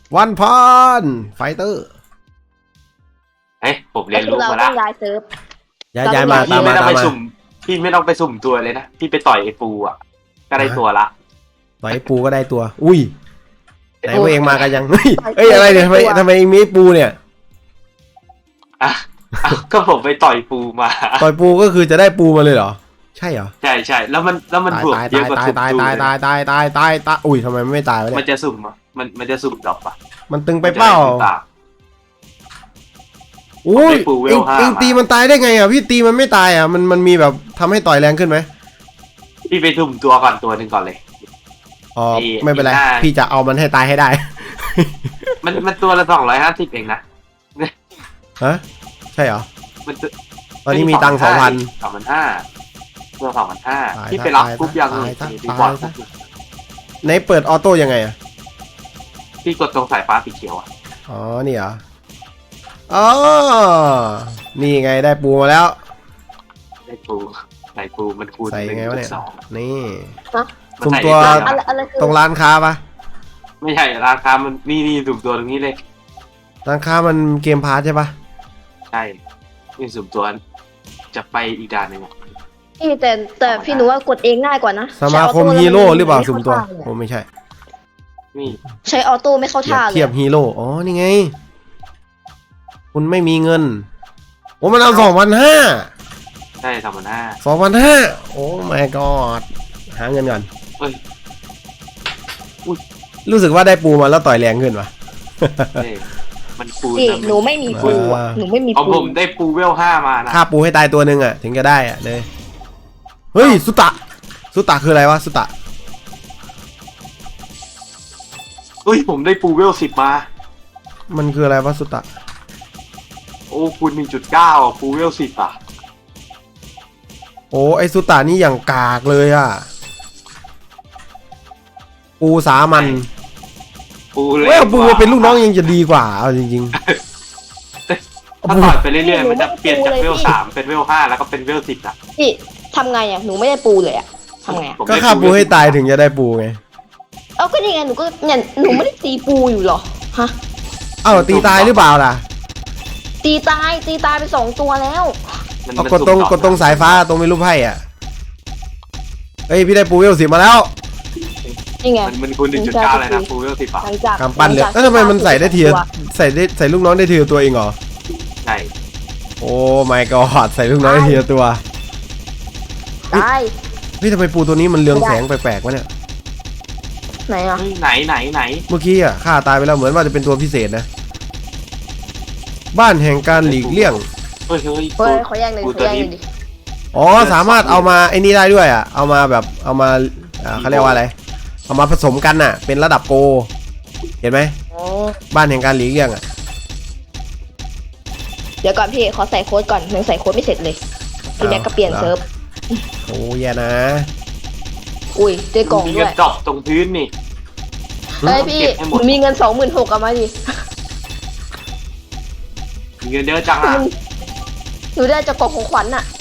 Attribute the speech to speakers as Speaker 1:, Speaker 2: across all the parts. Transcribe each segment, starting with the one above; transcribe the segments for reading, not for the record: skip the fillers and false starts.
Speaker 1: วันพันไฟเตอร์
Speaker 2: เฮ้ยผมเรียนรู้มาแล้ว
Speaker 3: ย้ายเซิร์ฟ
Speaker 1: ย้ายมาตามมา
Speaker 2: พี่ไม่ต้องไปสุ่มตัวเลยนะพี่ไปต่อยไอ้ปูอ่ะก็ได้ตัวละ
Speaker 1: ต่อยปูก็ได้ตัวอุ้ยไหนว่าเองมากันยังเฮ้ยอะไรเนี่ยทำไมมีปูเนี่ย
Speaker 2: อ่ะก็ผมไปต่อยปูมา
Speaker 1: ต่อยปูก็คือจะได้ปูมาเลยเหรอใช่เหรอ
Speaker 2: ใช่แล้วมันบวกเยอะกว่าสุ่ม
Speaker 1: ตายอุ้ยทำไมไม่ตายวะเนี่ย
Speaker 2: มันจะสุ่มอ่ะมันจะสุ่มดอกปะ
Speaker 1: มันตึงไปเปล่าอุ้ยเองตีมันตายได้ไงอ่ะพี่ตีมันไม่ตายอ่ะมันมีแบบทำให้ต่อยแรงขึ้นไหม
Speaker 2: พี่ไปสุ่มตัวก่อนตัวหนึ่งก่อนเลย
Speaker 1: อ๋อไม่เป็นไรพี่จะเอามันให้ตายให้ได้
Speaker 2: มันตัวละ250เองนะ
Speaker 1: ฮะใช่เหรอตอนนี้มีตังค์
Speaker 2: 2,500ตัว2,500พี่ไปรับปุ๊บยังดีกว่า
Speaker 1: ไหนเปิดออโต้ยังไงอ่ะ
Speaker 2: พี่กดตรงสายฟ้าสีเขียวอ่ะ
Speaker 1: อ๋อนี่เหรออ๋อนี่ไงได้ปูมาแล้ว
Speaker 2: ได้ปูใส่ปูมันคูณ
Speaker 1: ใส่ไงวะเนี่ยนี่
Speaker 3: สุ่
Speaker 1: มตัวตรงร้านค้าปะ
Speaker 2: ไม่ใช่ราคามันนี่สุ่มตัวตรงนี้เลย
Speaker 1: ร้านค้ามันเกมพาร์ทใช่ปะ
Speaker 2: ใช่นี่สุ่มตัวจะไปอีกด่านหนึ่ง
Speaker 3: พี่แต่พี่หนูว่ากดเองง่ายกว่านะ
Speaker 1: สมาคมฮีโร่หรือเปล่าสุ่มตัวโอ้ไม่ใช่
Speaker 2: นี่
Speaker 3: ใช้ออโต้ไม่เข้าท่าเลย
Speaker 1: เทียบฮีโร่อ๋อนี่ไงคุณไม่มีเงินโอ้มันเอา2,500
Speaker 2: ใช่2,500
Speaker 1: โอ้ my god หาเงินก่อนรู้สึกว่าได้ปูมาแล้วต่อยแรงขึ้นวะ
Speaker 2: มันปู
Speaker 3: หนูไม่มีปูหนูไม่มีปู
Speaker 2: ผมได้ปูเวล5มานะ
Speaker 1: ฆ่าปูให้ตายตัวหนึ่งอ่ะถึงจะได้อ่ะเลยเฮ้ยสุตะคืออะไรวะสุตะ
Speaker 2: ผมได้ปูเวล10มา
Speaker 1: มันคืออะไรวะสุตะ
Speaker 2: โอ้คูณ 1.9 ปูเวล10อ่ะ
Speaker 1: โอ้ไอสุตานี่อย่างกากเลยอ่ะปูสามันเว้ยปูเป็นลูกน้องยังจะดีกว่าเอาจริง
Speaker 2: ๆถ้าต่อยไปเรื่อยๆมันจะเปลี่ยนจากเวล3เป็นเวล5แล้วก็เป็นเวล10อ่ะ
Speaker 3: พี่ทำไงอ่ะหนูไม่ได้ปูเลยอ่ะทำไง
Speaker 1: ก็ฆ่าปูให้ตายถึงจะได้ปูไง
Speaker 3: ก็นี่ไงหนูก็เนี่ยหนูไม่ได้ตีปูอยู่หรอฮะ
Speaker 1: ตีตายหรือเปล่าล่ะ
Speaker 3: ตีตายไป2ตัวแล้ว
Speaker 1: กดตรงสายฟ้าตรงมีรูปไพ่อ่ะเฮ้ยพี่ได้ปูเวล10มาแล้ว
Speaker 3: นี่ไง
Speaker 2: มันคูณ 1.9 เลยนะปูเวล10อ่ะ
Speaker 1: กำปั้นเลยแล้วทำไมมันใส่ได้ทีใส่ลูกน้องได้ทีตัวเองเหรอ
Speaker 2: ใช่
Speaker 1: โอ้ my god ใส่ลูกน้องได้ทีตัว
Speaker 3: ตาย
Speaker 1: พี่ทำไมปูตัวนี้มันเรืองแสงแปลกๆวะเนี่ย
Speaker 3: ไหนอ่ะ
Speaker 2: ไหน
Speaker 1: เมื่อกี้อ่ะฆ่าตายไปแล้วเหมือนว่าจะเป็นตัวพิเศษนะบ้านแห่งการหลีกเลี่ยง
Speaker 3: เฮ้ยขอแย่งเลยดิ
Speaker 1: อ๋อสามารถเอามาไอ้นี่ได้ด้วยอ่ะเอามาแบบเอามาเขาเรียกว่าอะไรเอามาผสมกันน่ะเป็นระดับโกเห็นไหมบ้านแห่งการหลีกเลี่ยงอ่ะ
Speaker 3: เดี๋ยวก่อนพี่ขอใส่โค้ดก่อนยังใส่โค้ดไม่เสร็จเลยพี่แม็กก็เปลี่ยนเซิร์ฟ
Speaker 1: โอ้ยนะ
Speaker 3: อุ้ยเจอกล่องด้วย
Speaker 2: ดอกตรงพื้นนี่
Speaker 3: เฮ้ยพี่มีเงิน26,000เอามาดิ
Speaker 2: เงินเยอะจังอ่ะ
Speaker 3: หนูได้จากกล่องของขวัญอ่ะ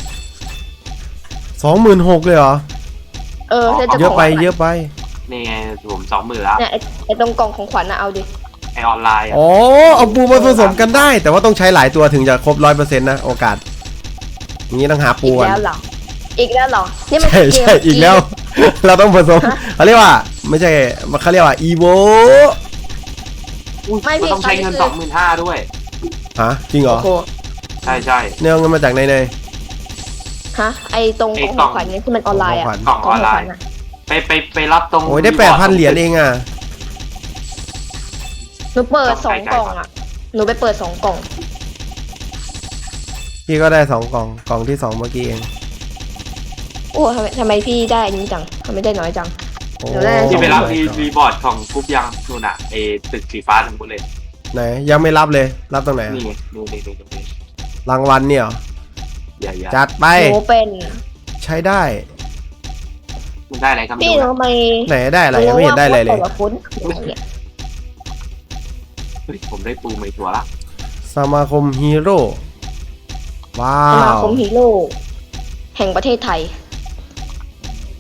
Speaker 1: 26,000เลยเหรอเยอะไป
Speaker 2: นี่ไงผม20,000แล้ว
Speaker 3: เนี่ยไอตรงกล่องของขวัญนะเอาดิ
Speaker 2: ไอออนไลน์
Speaker 1: อ๋อเอาปูมาผสมกันได้แต่ว่าต้องใช้หลายตัวถึงจะครบ 100% นะโอกาสอย่างนี้ต้องหาปู
Speaker 3: อีกแล้วเหรอนี่มัน
Speaker 1: ใช่อีกแล้วเราต้องผสมเขาเรียกว่าไม่ใช่เขาเรียกว่าอีโว
Speaker 2: ไม่ต้องใช้เงิน25,000ด้วย
Speaker 1: ฮะจริงเหรอ
Speaker 2: ใช่
Speaker 1: เนี่ยเงินมาจากไหน
Speaker 3: ฮะไอตรงของขวัญนี่คือมันออนไลน์อ่ะ
Speaker 2: กล่องออนไลน์ไปรับตรง
Speaker 1: โอ้ยได้8,000 เหรียญเองอ่ะ
Speaker 3: หนูเปิด2 กล่องอ่ะหนูไปเปิด2 กล่อง
Speaker 1: พี่ก็ได้2 กล่องที่2เมื่อกี้เอง
Speaker 3: โอ้ทำไมพี่ได้นี้จังทำไมได้น้อยจัง
Speaker 2: ที่ไปรับรีบอร์ดของกรุ๊ปยังนู่นอ่ะไอตึกสีฟ้าทั้งหมดเลย
Speaker 1: ไหนยังไม่รับเลยรับตรงไหน
Speaker 2: นี่
Speaker 1: รางวัลเนี่ยจัดไป
Speaker 3: โอ้เป็น
Speaker 1: ใช้ได้
Speaker 2: มันได้อะไรครับ
Speaker 3: พี่ทำไม
Speaker 1: ไหนได้อะไรยังไม่เห็นได้เลย
Speaker 2: ผมได้ปูใหม่ตัวละ
Speaker 1: สมาคมฮีโร่ว้าว
Speaker 3: สมาคมฮีโร่แห่งประเทศไทย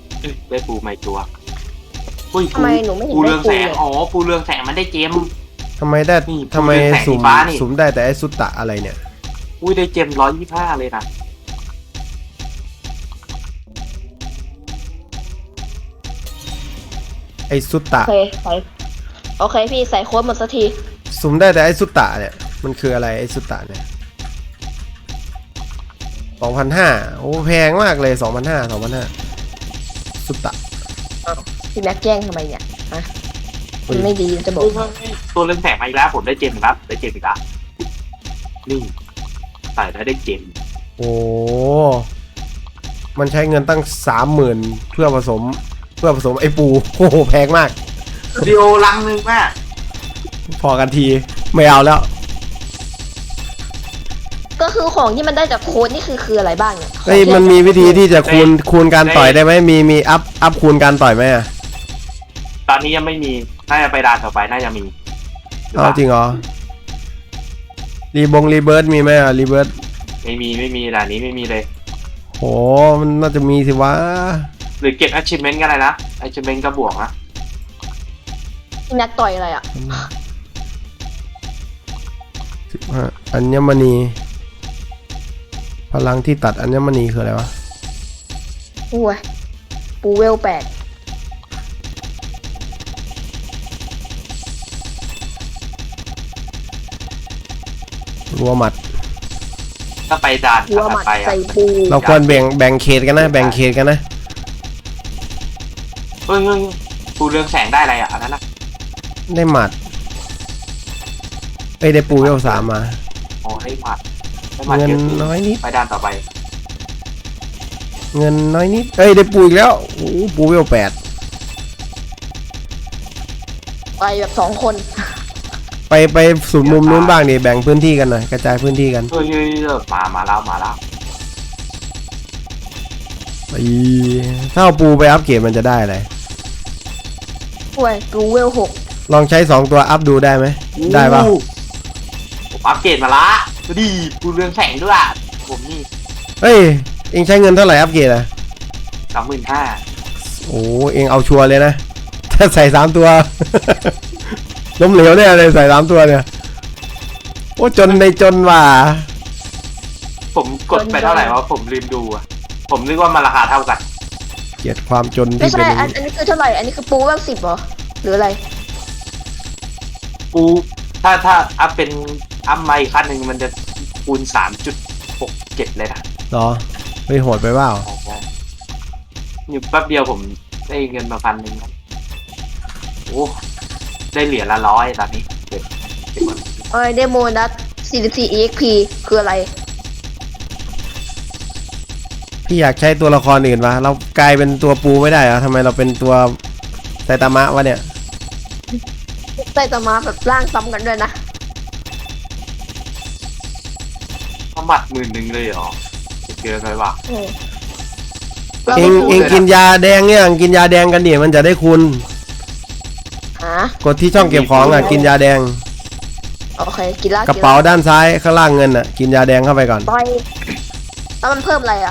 Speaker 2: ได้ปูใหม่ตัว
Speaker 3: ทำไมหนูไม่เห็น
Speaker 2: ปูเรืองแสงอ๋อปูเรืองแสงมันได้เจม
Speaker 1: ทำไมได้
Speaker 2: นี่
Speaker 1: ทำไม
Speaker 2: แสงสี
Speaker 1: สุ่ม
Speaker 2: ฟ้านี่
Speaker 1: สุ่มได้แต่ไอ้สุตตะอะไรเนี่ย
Speaker 2: อุ้ยได้เจม125เลยนะ
Speaker 1: ไอ้สุตตะ
Speaker 3: โอเคพี่ใส่โค้ดหมดสักที
Speaker 1: สุ่มได้แต่ไอ้สุตตะเนี่ยมันคืออะไรไอ้สุตตะเนี่ย2,500โอ้แพงมากเลย2,500สุตตะ
Speaker 3: พี่แม็กแจ้งทำไมเนี่ยอะมันไม่ดีจะบอก
Speaker 2: ตัวเรืองแสงมาอีกแล้วผมได้เจมอีกแล้วได้เจมอีกแล้วนี่ใส่แล้วได้เจม
Speaker 1: โอ้มันใช้เงินตั้ง 30,000เพื่อผสมไอ้ปูโอ้โหแพงมาก
Speaker 2: วิดีโอลังนึงแม่
Speaker 1: พอกันทีไม่เอาแล้ว
Speaker 3: ก็คือของที่มันได้จากโค้ดนี่คืออะไรบ้างเนี่ย
Speaker 1: เฮ้ยมันมีวิธีที่จะคูณการต่อยได้ไหมมีอัพคูณการต่อยไหมอ่ะ
Speaker 2: ตอนนี้ยังไม่มีน่าจะไปด่านต่อไปน่าจะมี
Speaker 1: เอาจริงเหรอรีเบิร์ดมีไหมอ่ะรีเบิร์ด
Speaker 2: ไม่มีด่านนี้ไม่มีเลย
Speaker 1: โหมันน่าจะมีสิวะ
Speaker 2: หรือเก็บ achievement ก็ได้นะ achievement ก็บวกนะ
Speaker 3: พี่แม็กต่อยอะไรอ่ะ
Speaker 1: 15อัญมณีพลังที่ตัดอัญมณีคืออะไรวะ
Speaker 3: อุ้ยปูเวล8
Speaker 1: รัวหมัด
Speaker 2: ถ้าไปด่าน
Speaker 3: หัวห
Speaker 2: ถั
Speaker 3: มั
Speaker 2: ด
Speaker 3: ด
Speaker 2: ไปอ่ะ
Speaker 3: ใส่ปู
Speaker 1: เราควรแบ่งเขตกันนะแบ่งเขตกันนะ
Speaker 2: เฮ้ยปูเรืองแสงได้อะไรอ่ะอันนั้นนะ
Speaker 1: ได้หมัดได้ปูเวล3มา
Speaker 2: อ๋อได้หมัดได้หมัด
Speaker 1: เงิน
Speaker 2: เยอะขึ้น
Speaker 1: น้อยนิด
Speaker 2: ไปด่านต่อไป
Speaker 1: เงินน้อยนิดได้ปูอีกแล้วโอ้ปูเวล8
Speaker 3: ไปแบบ2 คน
Speaker 1: ไปศูนย์มุมนู้นบ้างดิแบ่งพื้นที่กันหน่อยกระจายพื้นที่กัน
Speaker 2: เฮ้ยมาแล้ว
Speaker 1: ถ้าเอาปูไปอัพเกรดมันจะได้อะไร
Speaker 3: อุ้ยปูเวล6
Speaker 1: ลองใช้2ตัวอัพดูได้ไหมได้ป่ะ
Speaker 2: ผมอัปเกรดมาละดูดิปูเรืองแสงด้วยอ่ะผมนี่
Speaker 1: เฮ้ยเองใช้เงินเท่าไหร่อัพเกรดอ่ะ
Speaker 2: 25,000
Speaker 1: โอ้เองเอาชัวร์เลยนะ ถ้าใส่3ตัว ล้มเหลวเนี่ยเลยใส่3ตัวเนี่ยโอ้จนในจนว่ะ
Speaker 2: ผมกดไปเท่าไหร่วะผมลืมดูอ่ะผมนึกว่ามันราคาเท่ากัน
Speaker 1: เกลียดความจน
Speaker 3: ไม่
Speaker 1: ที่เป็
Speaker 3: ใช่
Speaker 1: น
Speaker 3: อันนี้คือเท่าไหร่อันนี้คือปูเวล10เหรอหรืออะไร
Speaker 2: ปูถ้าอัพเป็นอัพไมค์ขั้นหนึ่งมันจะคูณ 3.67 เลยนะ
Speaker 1: เหรอเฮ้ยโหดไปเปล่า
Speaker 2: อยู่แป๊บเดียวผมได้เงินมา1,000นะโอ้ได้เหรียญละ100ตอนนี้เก็บหมด
Speaker 3: เดโมนัส44 EXP คืออะไร
Speaker 1: พี่อยากใช้ตัวละครอื่นวะเรากลายเป็นตัวปูไม่ได้เหรอทำไมเราเป็นตัวไซตามะวะเนี่ย
Speaker 3: ใส่ตามาแบบร่างซ้ำกันด้วยนะ
Speaker 2: เขาหมัด10,000เลยเหรอเกินไปว่ะ
Speaker 1: เองกินยาแดงเนี่ยกินยาแดงกันดิมันจะได้คุณ
Speaker 3: ฮะ
Speaker 1: กดที่ช่องเก็บของอ่ะกินยาแดง
Speaker 3: โอเคกินแล้ว
Speaker 1: กระเป๋าด้านซ้ายข้างล่างเงินอ่ะกินยาแดงเข้าไปก่อน
Speaker 3: ต่อยแล้วมันเพิ่มอะไรอ่ะ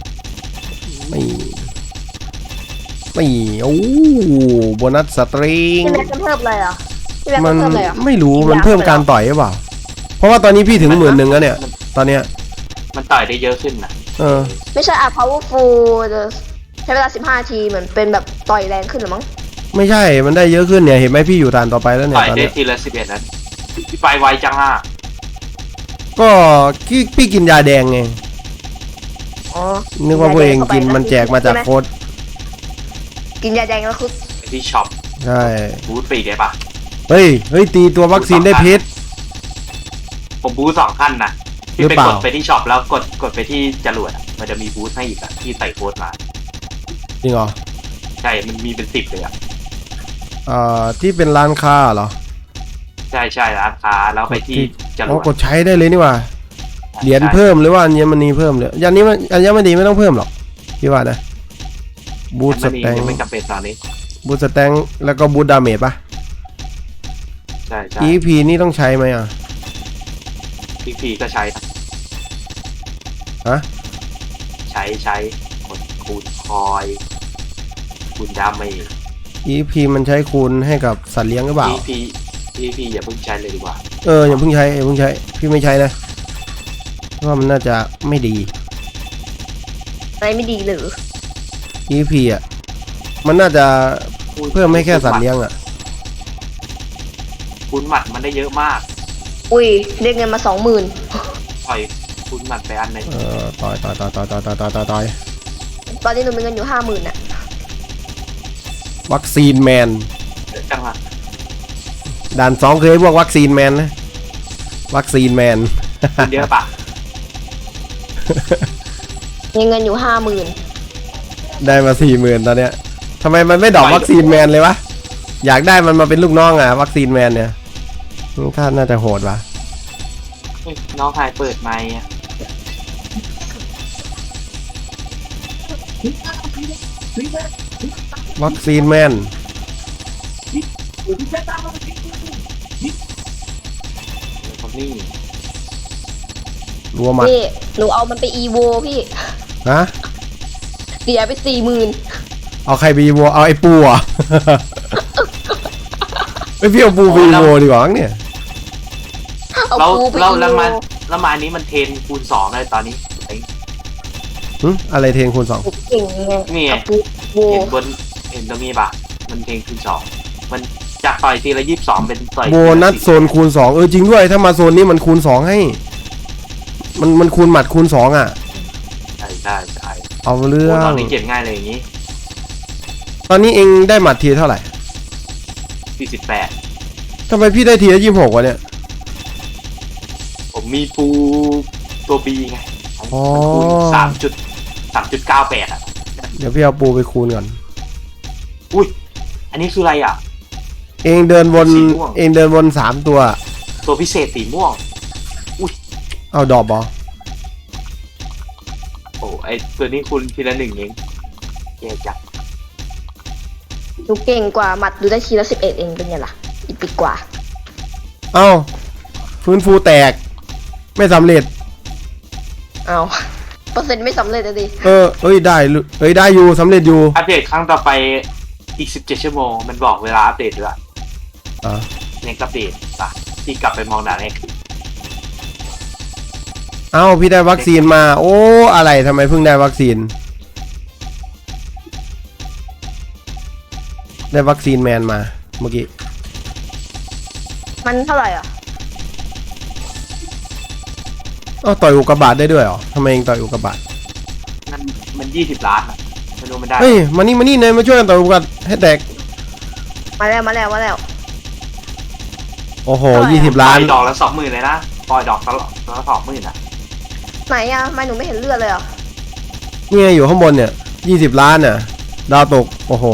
Speaker 1: ไม่โอ้โบนัสสตริง
Speaker 3: พี่แม็กมันเพิ่มอะไรอ่ะพี่แม็ก
Speaker 1: มั
Speaker 3: มัน นเพิ่มอะไรอ่ะ
Speaker 1: ไม่รู้มันเพิ่มการต่อยหรือเปล่าเพราะว่าตอนนี้พี่ถึง10,000แล้วเนี่ยตอนเนี้ย
Speaker 2: มันต่อยได้เยอะขึ้นนะ
Speaker 3: ไม่ใช่powerful ใช้เวลา15 นาทีเหมือนเป็นแบบต่อยแรงขึ้นหรือมั้ง
Speaker 1: ไม่ใช่มันได้เยอะขึ้นเนี่ยเห็นไหมพี่อยู่ด่านต่อไปแล้วเนี่ย
Speaker 2: ต่อย
Speaker 1: ตอน
Speaker 2: ได้
Speaker 1: เนี้ย
Speaker 2: ทีละ11แล้วพี่ไปไวจังอ่ะ
Speaker 1: ก็พี่กินยาแดงไง
Speaker 3: อ๋อ
Speaker 1: นึกว่าพวกเองกินมันแจกมาจากโค้ด
Speaker 3: กินยาแดงแล้วคือ
Speaker 2: ไปที่ช็อป
Speaker 1: ใช่
Speaker 2: บูธฟรีได้ปะ
Speaker 1: เฮ้ยตีตัววัคซีนได้เพชร
Speaker 2: ผมบูธ2 ขั้นนะ
Speaker 1: หรื
Speaker 2: พี่
Speaker 1: อ
Speaker 2: ไป
Speaker 1: เปล่า
Speaker 2: กดไปที่ช็อปแล้วกดไปที่จรวดอะมันจะมีบูธให้อีกอะที่ใส่โค้ดมา
Speaker 1: จริงเหรอ
Speaker 2: ใช่มันมีเป็น10เลยอะ
Speaker 1: ที่เป็นร้านค้าเหรอ
Speaker 2: ใช่ร้านค้าแล้วไปที่จร
Speaker 1: อ๋อ
Speaker 2: วด
Speaker 1: กดใช้ได้เลยนี่หว่าเหรียญเพิ่มหรือว่าอัญมณีเพิ่มเลยอัญมณีไม่ต้องเพิ่มหรอกพี่ว่านะบูทส
Speaker 2: มัน
Speaker 1: แตง
Speaker 2: ไม่จำเป็นตอนนี้
Speaker 1: บูทสแตงแล้วก็บูทดาเมจปะ
Speaker 2: ใช่
Speaker 1: EP นี่ต้องใช้ไหมอ่ะ
Speaker 2: พี่ก็ใช้ครับ
Speaker 1: ฮะ
Speaker 2: ใช้กดคูณคอยคูณดาเมจ
Speaker 1: EP มันใช้คูณให้กับสัตว์เลี้ยงหรือเปล่า
Speaker 2: EP พี่อย่าเพิ่งใช้เลยดีกว่า
Speaker 1: อย่าเพิ่งใช้พี่ไม่ใช้นะเพราะว่ามันน่าจะไม่ดี
Speaker 3: อะไรไม่ดีหรือ
Speaker 1: EVP อ่ะมันน่าจะเพิ่มให้แค่สัตว์เลี้ยงอ่ะ
Speaker 2: คูณหมัดมันได้เยอะมาก
Speaker 3: อุ้ยได้เงินมา20,000
Speaker 2: ปล่อยคูณหมัดไปอันหนึ่ง
Speaker 1: ต่อย
Speaker 3: ตอนนี้หนูมีเงินอยู่50,000น่ะ
Speaker 1: วัคซีนแมน
Speaker 2: จังหวะ
Speaker 1: ด่าน2เคยพวกวัคซีนแมนนะวัคซีนแมน
Speaker 2: คูณเยอะปะ
Speaker 3: มีเงินอยู่
Speaker 1: ได้มา 40,000 ตอนเนี้ยทำไมมันไม่ดรอปวัคซีนแมนเลยวะอยากได้มันมาเป็นลูกน้องอ่ะวัคซีนแมนเนี่ยท่านน่าจะโหดวะ
Speaker 2: เฮ้ยน้องชายเปิดไมค์อะ
Speaker 1: วัคซีนแมน
Speaker 2: คนนี้
Speaker 1: รัวหมัด
Speaker 3: นี่หนูเอามันไปอีโวพี่
Speaker 1: ฮะ
Speaker 3: เสียไป40,000
Speaker 1: เอาใครไปอีโวเอาไอ้ปูอ่ะ ไม่พี่เอาปูไปอีโวดีกว่าเนี่ย
Speaker 3: เอา
Speaker 2: เรา
Speaker 3: ปูไป
Speaker 2: เรา
Speaker 3: อี
Speaker 2: แล้ว
Speaker 3: โว
Speaker 2: มาอันนี้มันเทรนคูณ2เลยตอนนี้ไอ้
Speaker 1: อะไรเทนคูณ 2
Speaker 3: เก่งไง
Speaker 2: นี่ไง
Speaker 3: เอาปูโว
Speaker 2: เห็นตรงนี้ปะมันเทรนคูณ2มันจากต่อยทีละ22เป็นต่อย
Speaker 1: โบนัสโซนคูณ 2จริงด้วยถ้ามาโซนนี้มันคูณ 2ให้มันคูณหมัดคูณ 2อ่ะ
Speaker 2: ใช่
Speaker 1: เอาเรื่อ
Speaker 2: ตอง นนี้เก็บง่ายเลยอย่างนี้
Speaker 1: ตอนนี้เองได้หมัดทีเท่าไหร่
Speaker 2: 48
Speaker 1: ทำไมพี่ได้ทีละ26วะเนี่ย
Speaker 2: ผมมีปูตัวบีไง
Speaker 1: อ๋อ
Speaker 2: มันคูณ3.98อ่ะ
Speaker 1: เดี๋ยวพี่เอาปูไปคูณก่อน
Speaker 2: อุ้ยอันนี้คืออะไรอ่ะ
Speaker 1: เองเดินวน
Speaker 2: สีม่วง
Speaker 1: เองเดินวน3ตัว
Speaker 2: ตัวพิเศษสีม่วง
Speaker 1: เอาดอกบอ
Speaker 2: โอ้ไอตัวนี้คุณทีละ1เองแย่จัง
Speaker 3: หนูเก่งกว่าหมัดดูได้ทีละ11เองเป็นไงล่ะอีปิกกว่า
Speaker 1: เอ้าฟื้นฟูแตก ไม่สำเร็จ
Speaker 3: เอาเปอร์เซ็นต์ไม่สำเร็จเลยดิ
Speaker 1: ได้อยู่สำเร็จอยู่
Speaker 2: อัปเดตครั้งต่อไปอีก17ชั่วโมงมันบอกเวลาอัปเดตด้วย
Speaker 1: อ่ะ
Speaker 2: เน็กอัปเดตป่ะที่กลับไปมองด่านเน็ก
Speaker 1: เอ้าพี่ได้วัคซีนมา โอ้อะไรทำไมเพิ่งได้วัคซีน ได้วัคซีนแมนมาเมื่อกี้
Speaker 3: มันเท่าไหร่อ่ะ
Speaker 1: อ้าวต่อยอุกกาบาตได้ด้วยเหรอทำไมเองต่อยอุกกาบาต
Speaker 2: มัน20 ล้านอะไม่รู้มันได้
Speaker 1: เฮ้ยมานี่เนยมาช่วยกันต่อยอุกกาบาตให้แตก
Speaker 3: มาแล้ว
Speaker 1: โอ้โห
Speaker 3: เท่าไหร่อะ
Speaker 1: 20 ล้าน
Speaker 2: ปล่อยดอกละ20,000เลยนะปล่อยดอกละ20,000อ่ะ
Speaker 3: ไหนอ่ะทำไมหนูไม่เห็นเลือดเลยอ่ะ
Speaker 1: นี่ไงอยู่ข้างบนเนี่ย20 ล้านน่ะดาวตกโอ้โห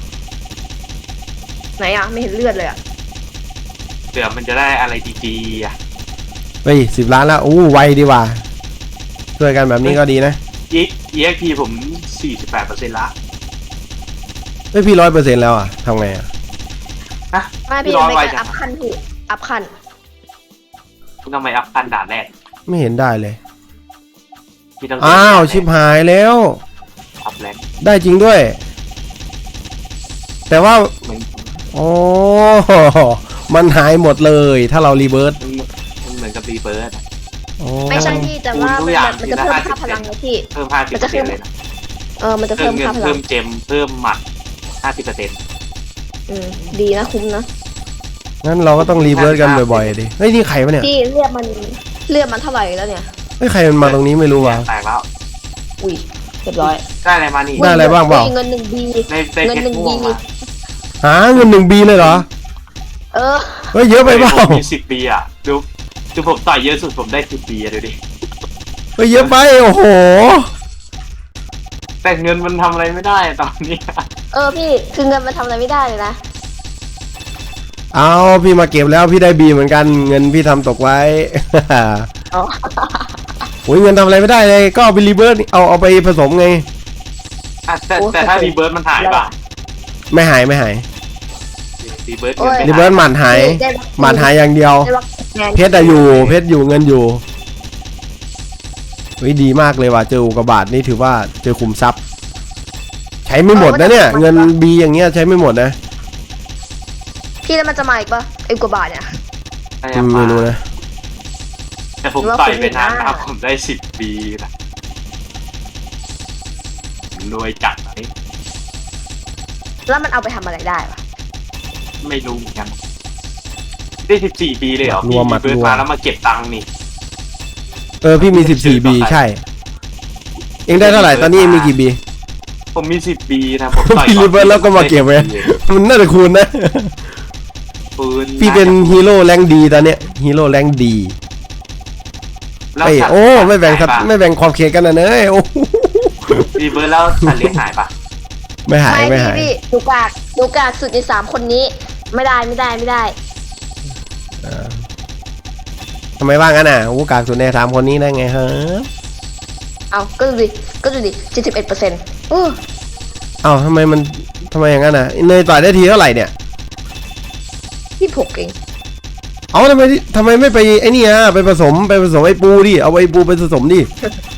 Speaker 3: ไหนอ่ะไม่เห็นเลือดเลยอ่ะ
Speaker 2: เดี๋ยวมันจะได้อะไรดีๆอ่ะ
Speaker 1: เฮ้ย10 ล้านแล้วอู้ไวดีว่ะช่วยกันแบบนี้ก็ดีนะ
Speaker 2: EXP ผม 48%ละ
Speaker 1: เฮ้ยพี่100%แล้วอ่ะทำไงอ่ะ
Speaker 2: ฮะ
Speaker 3: ไม่พี่
Speaker 2: ร้อย
Speaker 3: ไม่
Speaker 2: ไว
Speaker 3: การ
Speaker 2: จั
Speaker 3: อั
Speaker 2: ง
Speaker 3: พขั้นพี่อัพขั้น
Speaker 2: คุณต้องไปอัพพันด่านแรก
Speaker 1: ไม่เห็นได้เลย
Speaker 2: พี่ต้อง
Speaker 1: อ้าวชิบหายแล้ว
Speaker 2: อัพแรง
Speaker 1: ได้จริงด้วย แต่ว่า
Speaker 2: เหมือน
Speaker 1: โอ้มันหายหมดเลยถ้าเรารีเบิร์ต
Speaker 2: มันเหมือนกับรีเบิร์ด
Speaker 1: โอ้
Speaker 3: ไม่ใช่พี่แต่ว่า
Speaker 2: ทุ
Speaker 3: มัน
Speaker 2: กอย่าง
Speaker 3: มันจะเพิ่มค่าพลังนะพี่
Speaker 2: เพิ่ม
Speaker 3: มันจะขึ้น
Speaker 2: 50%เลยนะ
Speaker 3: มันจะ
Speaker 2: เพิ่
Speaker 3: เพิ่
Speaker 2: ม
Speaker 3: ม
Speaker 2: เงิน
Speaker 3: ค่าพลั
Speaker 2: เพิ่
Speaker 3: ง
Speaker 2: มเจมเพิ่มหมัด 50%
Speaker 3: ดีนะคุ้มนะ
Speaker 1: งั้นเราก็ต้องรีเบิร์ตกันบ่อยๆดิเฮ้ยนี่ใครวะเนี่ย
Speaker 3: พี่เลือดมันเท่าไหร่แล้วเนี่ย
Speaker 1: เฮ้ยใครมันมาตรงนี้ไม่รู้วะ
Speaker 2: แตกแล้ว
Speaker 3: อุ้ยเรียบร้อย
Speaker 2: ได้อะไรมานี่
Speaker 1: ได้อะไรบ้างเปล่า
Speaker 3: เงิน1 B
Speaker 2: ได้เพ
Speaker 3: เงิน
Speaker 2: ชร
Speaker 3: หนึ่ง
Speaker 2: ม่วง
Speaker 3: ดี
Speaker 2: มา
Speaker 1: หาเงิน1 B เลยเหรอ
Speaker 3: เออ
Speaker 1: เฮ้ยเยอะไปเปล่า
Speaker 2: มี10 ปีอ่ะดูผมต่อยเยอะสุดผมได้10 ปีอ่ะดูดิ
Speaker 1: เฮ้ยเยอะไปโอ้โห
Speaker 2: แต่เงินมันทำอะไรไม่ได้ตอนนี้
Speaker 3: พี่คือเงินมันทำอะไรไม่ได้เลยนะ
Speaker 1: เอาพี่มาเก็บแล้วพี่ได้ B เหมือนกันเงินพี่ทำตกไว้
Speaker 3: อ๋อ
Speaker 1: โอ้ยเงินทำอะไรไม่ได้เลยก็เอาไปรีเบิร์ตเอาไปผสมไง
Speaker 2: แต่ถ้ารีเบิร์ดมันหายป่ะ
Speaker 1: ไม่หาย
Speaker 2: รีเบิร์ดเงินไม่
Speaker 1: รีเบิ
Speaker 2: หา
Speaker 1: ร์
Speaker 2: ย
Speaker 1: ตหมันหาย
Speaker 3: ได้
Speaker 1: หมันหายอย่างเดียว
Speaker 3: ได้วัคซีน
Speaker 1: เพชรอยู่เพชรอยู่เงินอยู่เฮ้ยดีมากเลยว่ะเจออุกกาบาตนี่ถือว่าเจอขุมทรัพย์ ใช้ไม่หมดนะเนี่ยเงิน B อย่างเงี้ยใช้ไม่หมดนะ
Speaker 3: พี่แล้วมันจะมาอีกปะไอ้กว่าบาทเนี่ย
Speaker 2: ถ้ายัง
Speaker 1: ไม่
Speaker 2: มา
Speaker 1: รู้นะ
Speaker 2: แต่ผมต่อยไปนานนะครับผมได้10 ปีนะรวยจัดนี้
Speaker 3: แล้วมันเอาไปทำอะไรได้ปะ
Speaker 2: ไม่รู้เหมือนกันได้14 ปีเลยเหรอ
Speaker 1: รวมหมัด
Speaker 2: เบิร์ด
Speaker 1: รวม
Speaker 2: มาแล้วมาเก็บตังค์นี่
Speaker 1: พี่มี14 B ใช่ เองได้เท่าไหร่ตอนนี้เองมีกี่บี
Speaker 2: ผมมี10 ปีนะผมต่อย
Speaker 1: พี่รีเบิร์ตแล้วก็มาเก็บไว้ มันน่าจะคูณนะ
Speaker 2: ปืน
Speaker 1: พี่เป็นฮีโร่แรงดีตอนเนี้ยฮีโร่แรงดี
Speaker 2: แล้ว
Speaker 1: ไอ้
Speaker 2: สัตว์
Speaker 1: โอ้ไม่แบ่ง
Speaker 2: หายปะ
Speaker 1: ไม่แบ่งขอบเขตกันนะเนยโอ้
Speaker 2: รีเบิร์ดแล้วสัตว์เลี้ยงหายปะ
Speaker 1: ไม่หายไม่หาย
Speaker 3: พี่ดูกากสุดใน3 คนนี้ ไม่ได้
Speaker 1: ทำไมว่างั้นอ่ะโอ้กากสุดใน3 คนนี้ได้ไงฮะ
Speaker 3: เอาก็ดูดิ71%อู้
Speaker 1: เอ้าทำไมอย่างนั้นอ่ะเนยต่อยได้ทีเท่าไหร่เนี่ย
Speaker 3: 26เอง
Speaker 1: เอาทำไมไม่ไปไอ้นี่อ่ะไปผสมไอ้ปูดิเอาไอ้ปูไปผสมดิ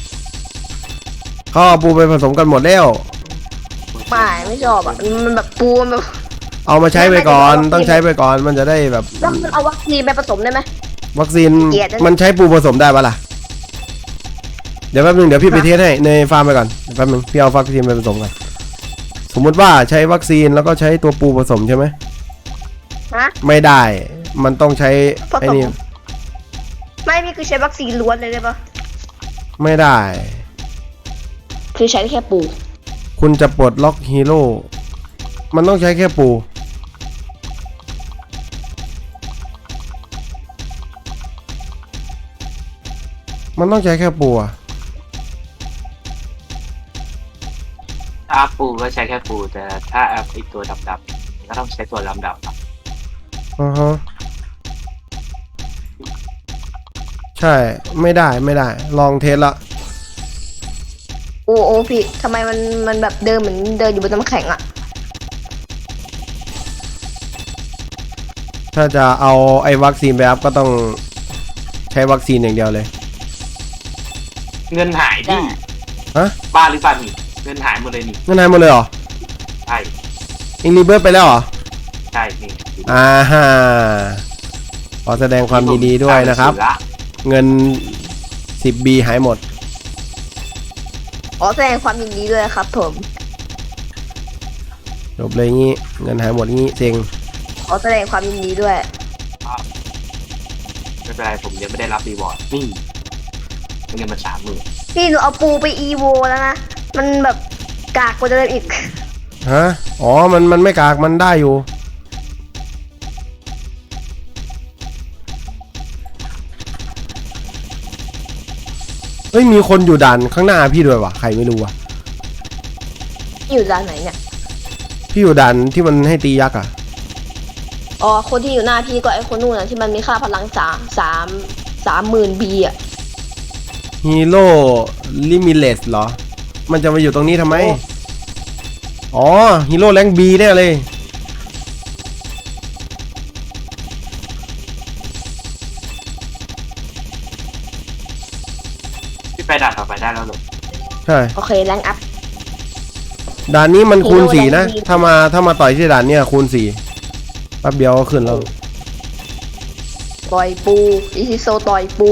Speaker 1: เขาเอาปูไปผสมกันหมดแล้ว
Speaker 3: ไม่ชอบอ่ะมันแบบปูมันแบบ
Speaker 1: เอามาใช้ไปก่อนต้องใช้ไปก่อนมันจะได้แบบ
Speaker 3: แล้วมันเอาวัคซีนไปผสมได้ไหม
Speaker 1: วัคซีน
Speaker 3: เกลียดนะ
Speaker 1: มันใช้ปูผสมได้ปะล่ะเดี๋ยวแป๊บนึงเดี๋ยวพี่ไปเทสให้ในฟาร์มไปก่อนแป๊บนึงพี่เอาวัคซีนไปผสมกันสมมุติว่าใช้วัคซีนแล้วก็ใช้ตัวปูผสมใช่ไหม
Speaker 3: ฮะ
Speaker 1: ไม่ได้มันต้องใช้
Speaker 3: ผสม
Speaker 1: ไอ้นี่
Speaker 3: ไม่พี่คือใช้วัคซีนล้วนเลยได้ปะ
Speaker 1: ไม่ได้
Speaker 3: คือใช้แค่ปู
Speaker 1: คุณจะปลดล็อกฮีโร่มันต้องใช้แค่ปู มันต้องใช้แค่ปูอะ
Speaker 2: ถ้าอัพปูก็ใช้แค่ปูแต่ถ้าอัพไอตัวดำๆก็ต้องใช้ตัวดำๆครับ
Speaker 1: อือฮะใช่ไม่ได้ลองเทสละ
Speaker 3: โอ้พี่ทำไมมันแบบเดินเหมือนเดินอยู่บนน้ำแข็งอ่ะ
Speaker 1: ถ้าจะเอาไอ้วัคซีนไปอัพก็ต้องใช้วัคซีนอย่างเดียวเลย
Speaker 2: เงินหายดิ
Speaker 1: ฮะ
Speaker 2: บ้าหรือเปล่านี่เงินหายหมดเลยนี่
Speaker 1: งั้นนายหมดเลยเหรอ
Speaker 2: ใช่
Speaker 1: เอ็งรีเบิร์ตไปแล้วเหรอ
Speaker 2: ใช่นี่
Speaker 1: อ่าฮะขอแสดงความยินดีด้วยนะครับ เงิน 10B หายหมด
Speaker 3: ขอแสดงความยินดีด้วยครับผม
Speaker 1: จบเลยงี้ เงินหายหมดงี้เซ็ง
Speaker 3: ขอแสดงความยินดีด้วย
Speaker 2: ไม่เป็นไรผมยังไม่ได้รับรีวอร์ดนี่เงินมา30,000
Speaker 3: พี่หนูเอาปูไปอีโวแล้วนะ มันแบบกากกว่าเดิมอีก
Speaker 1: ฮะ อ๋อ มันไม่กาก มันได้อยู่ เฮ้ย มีคนอยู่ด่านข้างหน้าพี่ด้วยวะใครไม่รู้วะ
Speaker 3: อยู่ด้านไหนเนี่ย
Speaker 1: พี่อยู่ด่านที่มันให้ตียักษ์อ่ะ
Speaker 3: อ๋อ คนที่อยู่หน้าพี่ก็ไอคนนู่นนะที่มันมีค่าพลัง30,000 บีอ่ะ
Speaker 1: ฮีโร่ลิมิเลสเหรอ มันจะมาอยู่ตรงนี้ทำไม อ๋อ ฮีโร่แรงบีแน่เลย
Speaker 2: พี่ไปด่านต่อไปได้แล้วเหรอ
Speaker 1: ใช่
Speaker 3: โอเคแรงอัพ
Speaker 1: ด่านนี้มันคูณ
Speaker 3: ฮีโร่
Speaker 1: 4 นะ
Speaker 3: แรงบี
Speaker 1: ถ้ามาต่อยที่ด่านเนี้ยคูณ4แป๊บเดียวก็ขึ้นแล้ว
Speaker 3: ต่อยปูอิซิโซต่อยปู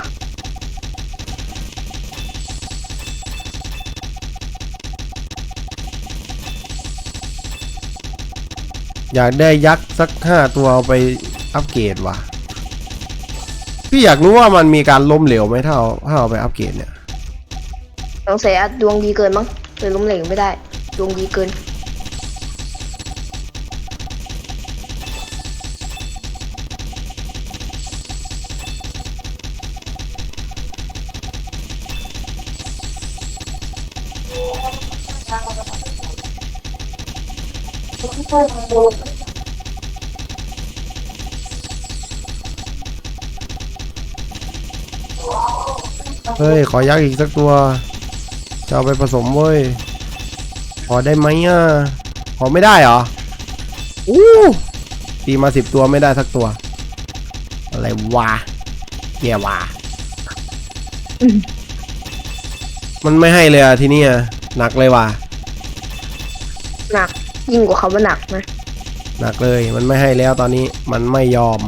Speaker 1: อยากได้ยักษ์สัก5 ตัวเอาไปอัปเกรดว่ะ พี่อยากรู้ว่ามันมีการล้มเหลวไหมถ้าเอาไปอัปเกรดเนี่ย
Speaker 3: สงสัยอะดวงดีเกินมั้งเลยล้มเหลวไม่ได้ ดวงดีเกิน
Speaker 1: เฮ้ย ขอยักษ์อีกสักตัว จะเอาไปผสมเว้ย ขอได้ไหมอ่ะ ขอไม่ได้เหรอ อู้ตีมา10 ตัวไม่ได้สักตัว อะไรวะแย่วะมันไม่ให้เลยอ่ะทีนี้อ่ะหนักเลยว่ะ
Speaker 3: หนักยิ่งกว่าคำว่าหนักนะ
Speaker 1: หนักเลยมันไม่ให้แล้วตอนนี้มันไม่ยอม